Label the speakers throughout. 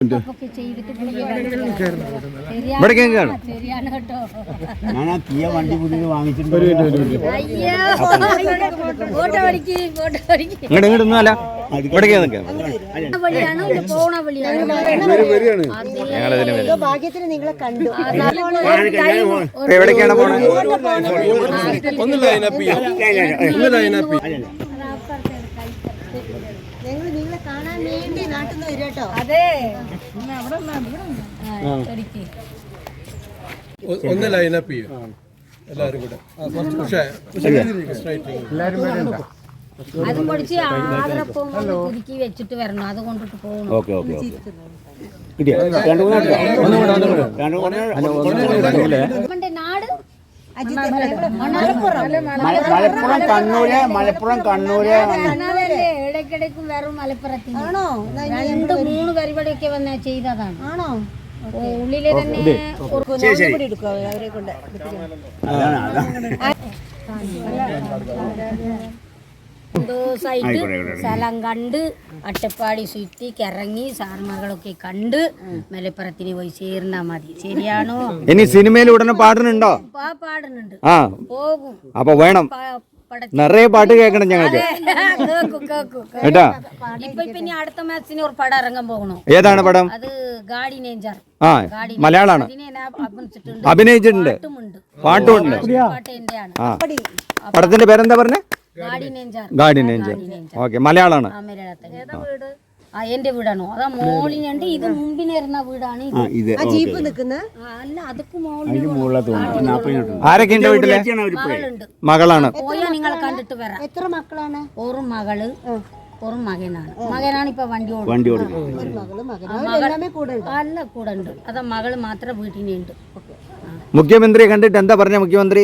Speaker 1: വണ്ടി പുതിയത് വാങ്ങിച്ചിട്ടുണ്ട്.
Speaker 2: ഭാഗ്യത്തിന് നിങ്ങളെ കണ്ടു.
Speaker 3: എവിടേക്കാണ് പോണത്?
Speaker 2: ഞങ്ങൾ നിങ്ങളെ കാണാൻ വേണ്ടി നാട്ടിൽ നിന്ന് വരും കേട്ടോ.
Speaker 4: അതെ
Speaker 5: ഒന്ന് ലൈനപ്പ് ചെയ്യും എല്ലാവരും കൂടെ.
Speaker 4: അത് പൊടിച്ച് ആദരപ്പം പുതുക്കി വെച്ചിട്ട് വരണം. അത് കൊണ്ടിട്ട് പോകണം. നാട് ഇടയ്ക്കിടയ്ക്കും വെറും മലപ്പുറത്തിന് 2-3 പരിപാടിയൊക്കെ വന്ന് ചെയ്തതാണ്. ആണോ? ഉള്ളിലെ തന്നെ അവരെ കൊണ്ട് ദിവസമായിട്ട് സ്ഥലം കണ്ട് അട്ടപ്പാടി ചുറ്റി കിറങ്ങി സാർമാർകളൊക്കെ കണ്ട് മലപ്പുറത്തിന് പോയി ചേർന്നാ മതി. ശരിയാണോ?
Speaker 3: ഇനി സിനിമയിൽ ഉടനെ പാടുന്നുണ്ടോ?
Speaker 4: പാടുന്നുണ്ട്.
Speaker 3: പോകും. അപ്പൊ വേണം നിറയെ പാട്ട് കേൾക്കണം ഞങ്ങൾക്ക് കേട്ടാ.
Speaker 4: ഇപ്പൊ ഇനി അടുത്ത മാസത്തിന് ഒരു പടം ഇറങ്ങാൻ പോകണോ?
Speaker 3: ഏതാണ് പടം?
Speaker 4: അത് ഗാഡി നേഞ്ചർ.
Speaker 3: മലയാളാണ്. അഭിനയിച്ചിട്ടുണ്ട്. പാട്ടുമുണ്ട്. പടത്തിന്റെ പേരെന്താ പറഞ്ഞേ? ഗാഡി നേഞ്ചർ. ഓക്കെ, മലയാളാണ്.
Speaker 4: എന്റെ വീടാണോ? അതാ മോളിനുണ്ട്. ഇത് മുമ്പിനിരുന്ന വീടാണ്. അല്ല, അതൊക്കെ
Speaker 3: ആരൊക്കെ ഉണ്ട് വീട്ടില്? മകളാണ്.
Speaker 4: പോയാ നിങ്ങളെ കണ്ടിട്ട് വരാം. എത്ര മക്കളാണ്? ഒരു മകള് ഒരു മകനാണ് ഇപ്പൊ വണ്ടി അല്ല കൂടെ ഉണ്ട്. അതാ മകള് മാത്രം വീട്ടിനുണ്ട്.
Speaker 3: മുഖ്യമന്ത്രിയെ കണ്ടിട്ട് എന്താ പറഞ്ഞ? മുഖ്യമന്ത്രി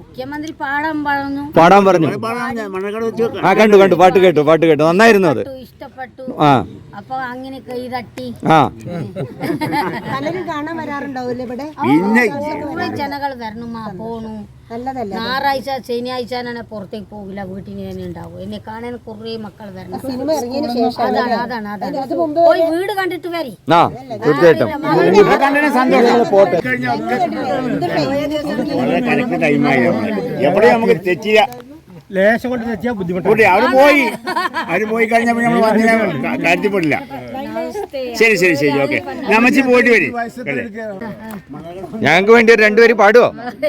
Speaker 3: പാടാൻ പറഞ്ഞു. കണ്ടു പാട്ട് കേട്ടു നന്നായിരുന്നു. അത്
Speaker 4: ഇഷ്ടപ്പെട്ടു. അപ്പൊ അങ്ങനെ കൈ തട്ടി
Speaker 2: പലരും കാണാൻ വരാറുണ്ടാവൂല്ലേ ഇവിടെ?
Speaker 4: ജനങ്ങൾ വരണമാ പോണു. ഞായറാഴ്ച ശനിയാഴ്ച പുറത്തേക്ക് പോകില്ല, വീട്ടിൽ തന്നെ ഉണ്ടാവും. എന്നെ കാണാൻ കുറേ മക്കൾ വരണം. അതാണ് പോയി വീട് കണ്ടിട്ട് വരി.
Speaker 1: ലേശം കൊണ്ട് തെറ്റിയാൽ ബുദ്ധിമുട്ട്. അവര് പോയി കഴിഞ്ഞപ്പോൾ നമ്മൾ കാര്യത്തിൽപ്പെടില്ല. ശരി ഓക്കെ. നമ്മച്ചി പോയിട്ട് വരും.
Speaker 3: ഞങ്ങൾക്ക് വേണ്ടി ഒരു 2 പേര് പാടുവോ?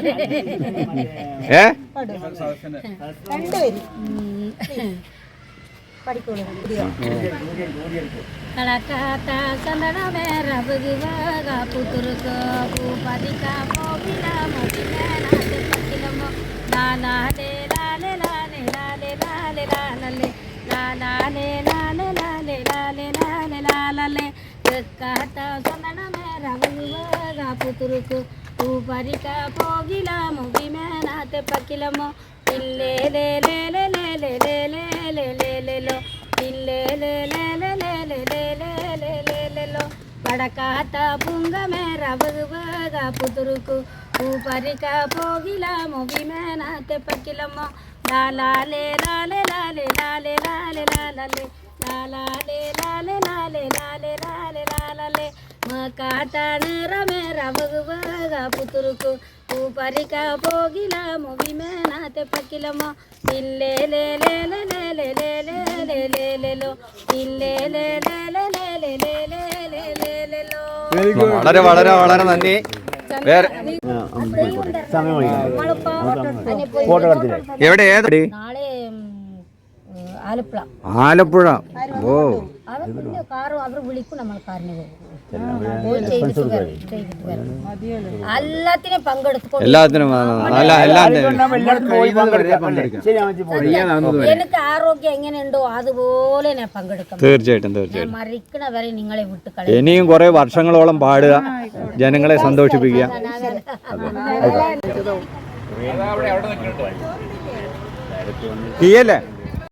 Speaker 4: పుతురుకు ఊపరిక పోగిలా ముగి మేనాతే పకిలమో పిల్లే లే లే లే లే లే లే లే లే లే లో పిల్లే లే లే లే లే లే లే లే లే లే లో పడకాత పుంగ మేర బగబగా పుతురుకు ఊపరిక పోగిలా ముగి మేనాతే పకిలమో లాలా లే లాలే లాలే లాలే లాలే లాలే లాలా లే లాలే లాలే లాలే లాలే లాలే మకాతనరమేర బగబగా పుతురుకు ఊపరిక పోగిలా ముగి మేనాతే పకిలమో పిల్లే లే లే లే లే లే లే లే లే లే లో పిల్లే లే లే లే ലേ ലേ ലേ ലേ ലേ ലേ ലേ ലോ.
Speaker 3: വളരെ വളരെ വളരെ നന്ദി. വേറെ എവിടെ?
Speaker 4: നാളെ ആലപ്പുഴ.
Speaker 3: ആലപ്പുഴ. ഓ,
Speaker 4: കാറ് അവർ വിളിക്കും. നമ്മൾ കാറിന് പോകും. എല്ലാത്തിനും പങ്കെടുക്കും. എനിക്ക് ആരോഗ്യം എങ്ങനെയുണ്ടോ അതുപോലെ ഞാൻ പങ്കെടുക്കും.
Speaker 3: തീർച്ചയായിട്ടും.
Speaker 4: മരിക്കണ വരെ നിങ്ങളെ വിട്ട് കളയും.
Speaker 3: ഇനിയും കുറെ വർഷങ്ങളോളം പാടുക, ജനങ്ങളെ സന്തോഷിപ്പിക്കുക. തീയല്ലേ?